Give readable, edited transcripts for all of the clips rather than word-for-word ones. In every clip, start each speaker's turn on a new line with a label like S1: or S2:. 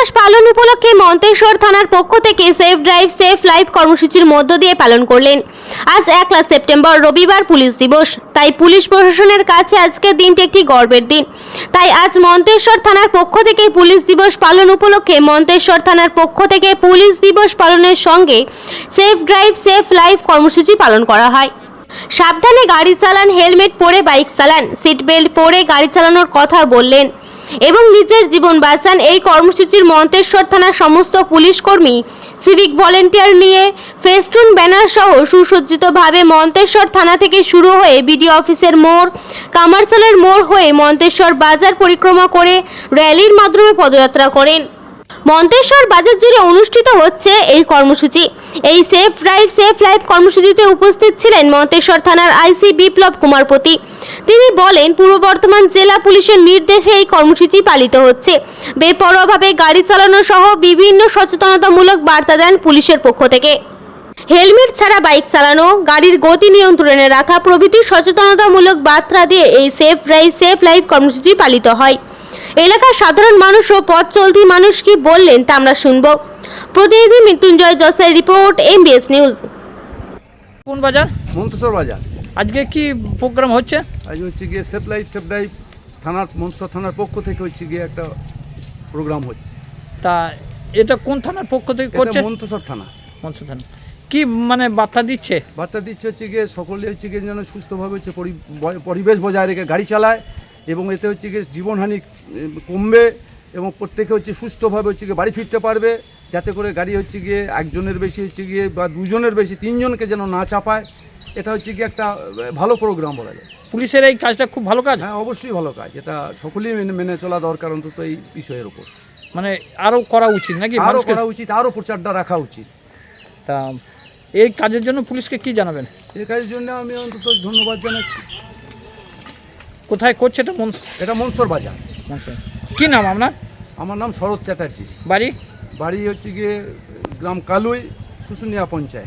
S1: দিবস পালন উপলক্ষে মন্তেশ্বর থানার পক্ষ থেকে সেফ ড্রাইভ সেফ লাইফ কর্মসূচির মধ্য দিয়ে পালন করলেন। আজ 1 সেপ্টেম্বর রবিবার পুলিশ দিবস, তাই পুলিশ প্রশাসনের কাছে আজকের দিনটি একটি গর্বের দিন। তাই আজ মন্তেশ্বর থানার পক্ষ থেকে পুলিশ দিবস পালন উপলক্ষে মন্তেশ্বর থানার পক্ষ থেকে পুলিশ দিবস পালনের সঙ্গে সেফ ড্রাইভ সেফ লাইফ কর্মসূচি পালন করা হয়। সাবধানে গাড়ি চালান, হেলমেট পরে বাইক চালান, সিট বেল্ট পরে গাড়ি চালানোর কথা বললেন এবং নিজের জীবন বাঁচান। এই কর্মসূচির মন্তেশ্বর থানার সমস্ত পুলিশ কর্মী সিভিক ভলেন্টিয়ার নিয়ে ফেস্টুন ব্যানার সহ সুসজ্জিতভাবে মন্তেশ্বর থানা থেকে শুরু হয়ে বিডিও অফিসের মোড়, কামারচালের মোড় হয়ে মন্তেশ্বর বাজার পরিক্রমা করে র্যালির মাধ্যমে পদযাত্রা করেন। মন্তেশ্বর বাজার জুড়ে অনুষ্ঠিত হচ্ছে এই কর্মসূচি। এই সেফ ড্রাইভ সেফ লাইফ কর্মসূচিতে উপস্থিত ছিলেন মন্তেশ্বর থানার আইসি বিপ্লব কুমারপতি। তিনি বলেন, পূর্ব বর্ধমান জেলা পুলিশের নির্দেশে এই কর্মসূচি পালিত হচ্ছে। বেপরোয়াভাবে গাড়ি চালানো সহ বিভিন্ন সচেতনতামূলক বার্তা দেন পুলিশের পক্ষ থেকে। হেলমেট ছাড়া বাইক চালানো, গাড়ির গতি নিয়ন্ত্রণে রাখা প্রভৃতি সচেতনতামূলক বার্তা দিয়ে এই সেফ ড্রাইভ সেফ লাইফ কর্মসূচি পালিত হয়। এলাকার সাধারণ মানুষ ও পথ চলতি মানুষ কি বললেন তা আমরা শুনব। প্রতিনিধি মৃত্যুঞ্জয় জসের রিপোর্ট, MBS নিউজ।
S2: কোন বাজার?
S3: মন্তেশ্বর বাজার।
S2: আজকে কি প্রোগ্রাম হচ্ছে?
S3: আজ হচ্ছে গিয়ে সেফ লাইফ সেফ ড্রাইভ থানার মন্তেশ্বর থানার পক্ষ থেকে হচ্ছে গিয়ে একটা প্রোগ্রাম হচ্ছে।
S2: তা এটা কোন থানার পক্ষ থেকে করছে?
S3: মন্তেশ্বর থানা।
S2: মন্তেশ্বর থানা কি মানে বার্তা দিচ্ছে?
S3: বার্তা দিচ্ছে হচ্ছে গিয়ে সকলে হচ্ছে গিয়ে যেন সুস্থভাবে হচ্ছে পরিবেশ বজায় রেখে গাড়ি চালায় এবং এতে হচ্ছে গিয়ে জীবনহানি কমবে এবং প্রত্যেকে হচ্ছে সুস্থভাবে হচ্ছে গিয়ে বাড়ি ফিরতে পারবে, যাতে করে গাড়ি হচ্ছে গিয়ে একজনের বেশি হচ্ছে গিয়ে বা দুজনের বেশি তিনজনকে যেন না চাপায়। এটা হচ্ছে গিয়ে একটা ভালো প্রোগ্রাম বলা যায়।
S2: পুলিশের এই কাজটা খুব ভালো কাজ।
S3: হ্যাঁ, অবশ্যই ভালো কাজ। এটা সকলেই মেনে চলা দরকার, অন্তত এই বিষয়ের উপর
S2: মানে আরও করা উচিত নাকি?
S3: আরও করা উচিত, আরও প্রচারটা রাখা উচিত।
S2: তা এই কাজের জন্য পুলিশকে কি জানাবেন?
S3: এই কাজের জন্য আমি অন্তত ধন্যবাদ জানাচ্ছি।
S2: কোথায় করছে এটা?
S3: এটা মন্তেশ্বর বাজার।
S2: কি নাম আপনার?
S3: আমার নাম শরৎ চ্যাটার্জি।
S2: বাড়ি?
S3: বাড়ি হচ্ছে গিয়ে গ্রাম কালুই, শুশুনিয়া পঞ্চায়েত।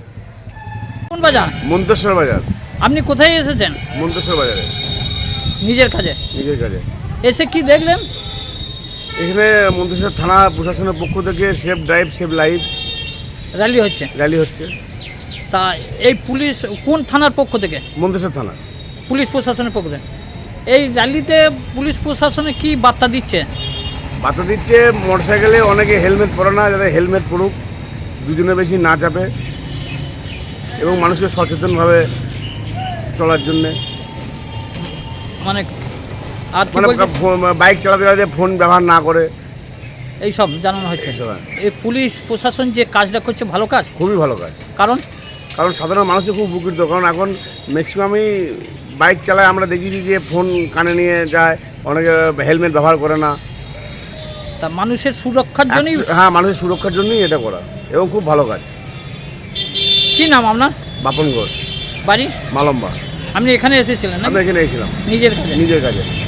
S2: কোন বাজার?
S4: মন্তেশ্বর বাজার।
S2: আপনি কোথায় এসেছেন?
S4: মন্তেশ্বর বাজারে
S2: নিজের কাজে?
S4: নিজের কাজে।
S2: এসে কি দেখলেন?
S4: এখানে মন্তেশ্বর থানা প্রশাসনের পক্ষ থেকে safe drive safe life
S2: rally হচ্ছে।
S4: র্যালি হচ্ছে।
S2: তা এই পুলিশ কোন থানার পক্ষ থেকে?
S4: মন্তেশ্বর থানা
S2: পুলিশ প্রশাসনের পক্ষ থেকে এই র্যালিতে পুলিশ প্রশাসনে কি বার্তা দিচ্ছে?
S4: বার্তা দিচ্ছে মোটরসাইকেলে অনেকে হেলমেট পরে না, যাতে হেলমেট পরুক, দুজনের বেশি না চাপে এবং মানুষকে সচেতনভাবে চলার জন্যে।
S2: মানে আর কি
S4: মানে
S2: বলছে?
S4: বাইক চালাতে চালাতে ফোন ব্যবহার না করে
S2: এইসব জানানো হচ্ছে। এই পুলিশ প্রশাসন যে কাজটা করছে ভালো কাজ,
S4: খুবই ভালো কাজ।
S2: কারণ
S4: সাধারণ মানুষের খুব উপকৃত, কারণ এখন ম্যাক্সিমামই বাইক চালায়, আমরা দেখেছি যে ফোন কানে নিয়ে যায়, অনেকে হেলমেট ব্যবহার করে না।
S2: তা মানুষের সুরক্ষার জন্যই?
S4: হ্যাঁ, মানুষের সুরক্ষার জন্যই এটা করা এবং খুব ভালো কাজ।
S2: কি নাম আপনার?
S4: বাপন ঘোষ।
S2: বাড়ি?
S4: মালম্বা।
S2: আপনি এখানে এসেছিলেন?
S4: আমরা এখানে এসেছিলাম
S2: নিজের কাজে?
S4: নিজের কাজে।